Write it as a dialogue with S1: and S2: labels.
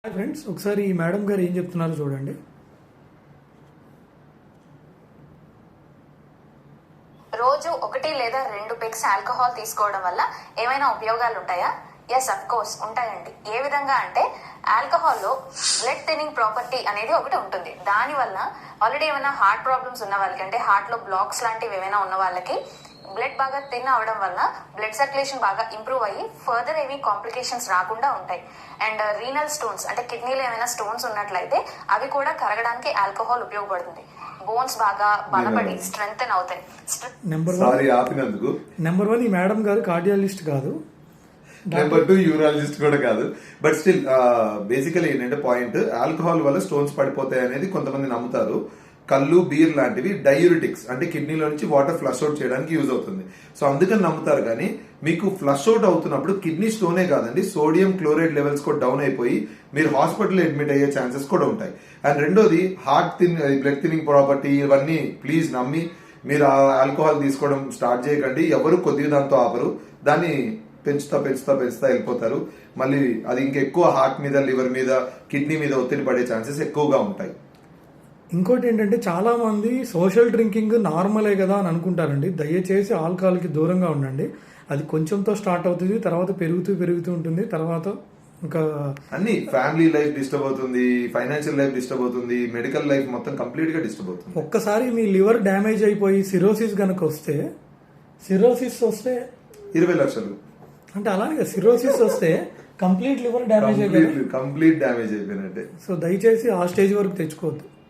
S1: Hi friends, ఒకసారి ఈ madam గారు ఏం చెప్తున్నారో చూడండి.
S2: రోజు 1 లేదా 2 పెగ్స్ ఆల్కహాల్ తీసుకోవడం వల్ల ఏమైనా ఉపయోగాలు ఉంటాయా? ఎస్, అఫ్ కోర్స్ ఉంటాయండి. ఏ విధంగా అంటే ఆల్కహాల్లో బ్లడ్ థిన్నింగ్ ప్రాపర్టీ అనేది ఒకటి ఉంటుంది. దానివల్ల ఆల్రెడీ ఏమైనా హార్ట్ ప్రాబ్లమ్స్ ఉన్న వాళ్ళకి, అంటే హార్ట్ లో బ్లాక్స్ లాంటివి ఏమైనా ఉన్న వాళ్ళకి బ్లడ్ బాగా థిన్ అవడం వల్ల బ్లడ్ సర్క్యులేషన్ బాగా ఇంప్రూవ్ అయ్యి ఫర్దర్ ఏమీ కాంప్లికేషన్స్ రాకుండా ఉంటాయి. అండ్ రీనల్ స్టోన్స్, అంటే కిడ్నీలో ఏమైనా స్టోన్స్ ఉన్నట్లయితే అవి కూడా కరగడానికి ఆల్కహాల్ ఉపయోగపడుతుంది. బోన్స్ బాగా బలపడి స్ట్రెంగ్తెన్ అవుతాయి.
S1: నెంబర్ 1 ఈ మేడం గారు కార్డియాలజిస్ట్ కాదు,
S3: నెంబర్ 2 యూరాలజిస్ట్ కూడా కాదు. బట్ స్టిల్ బేసికలీ ఏంటంటే పాయింట్, ఆల్కహాల్ వల్ల స్టోన్స్ పడిపోతాయి అనేది కొంతమంది నమ్ముతారు. కళ్ళు, బీర్ లాంటివి డయూరిటిక్స్, అంటే కిడ్నీలో నుంచి వాటర్ ఫ్లష్ అవుట్ చేయడానికి యూజ్ అవుతుంది. సో అందుకని నమ్ముతారు. కానీ మీకు ఫ్లష్ అవుట్ అవుతున్నప్పుడు కిడ్నీ స్టోనే కాదండి, సోడియం క్లోరైడ్ లెవెల్స్ కూడా డౌన్ అయిపోయి మీరు హాస్పిటల్లో అడ్మిట్ అయ్యే ఛాన్సెస్ కూడా ఉంటాయి. అండ్ రెండోది బ్లడ్ థిన్నింగ్ ప్రాపర్టీ, ఇవన్నీ ప్లీజ్ నమ్మి మీరు ఆల్కహాల్ తీసుకోవడం స్టార్ట్ చేయకండి. ఎవరు కొద్దిగా దాంతో ఆపరు, దాన్ని పెంచుతా వెళ్ళిపోతారు. మళ్ళీ అది ఇంకెక్కువ హార్ట్ మీద, లివర్ మీద, కిడ్నీ మీద ఒత్తిడి పడే ఛాన్సెస్ ఎక్కువగా ఉంటాయి.
S1: ఇంకోటి ఏంటంటే చాలా మంది సోషల్ డ్రింకింగ్ నార్మలే కదా అని అనుకుంటారండి. దయచేసి ఆల్కహాల్కి దూరంగా ఉండండి. అది కొంచెంతో స్టార్ట్ అవుతుంది, తర్వాత పెరుగుతూ ఉంటుంది. తర్వాత ఇంకా
S3: అన్ని ఫ్యామిలీ లైఫ్ డిస్టర్బ్ అవుతుంది, ఫైనాన్షియల్ లైఫ్ డిస్టర్బ్ అవుతుంది, మెడికల్ లైఫ్ మొత్తం కంప్లీట్ గా డిస్టర్బ్ అవుతుంది.
S1: ఒక్కసారి మీ లివర్ డ్యామేజ్ అయిపోయి సిరోసిస్ గనక వస్తే
S3: 20 లక్షలు,
S1: అంటే అలానే సిరోసిస్ వస్తే complete liver damage
S3: complete damage అయిపోయినట్టే.
S1: సో దయచేసి ఆ స్టేజ్ వరకు తెచ్చుకోవద్దు.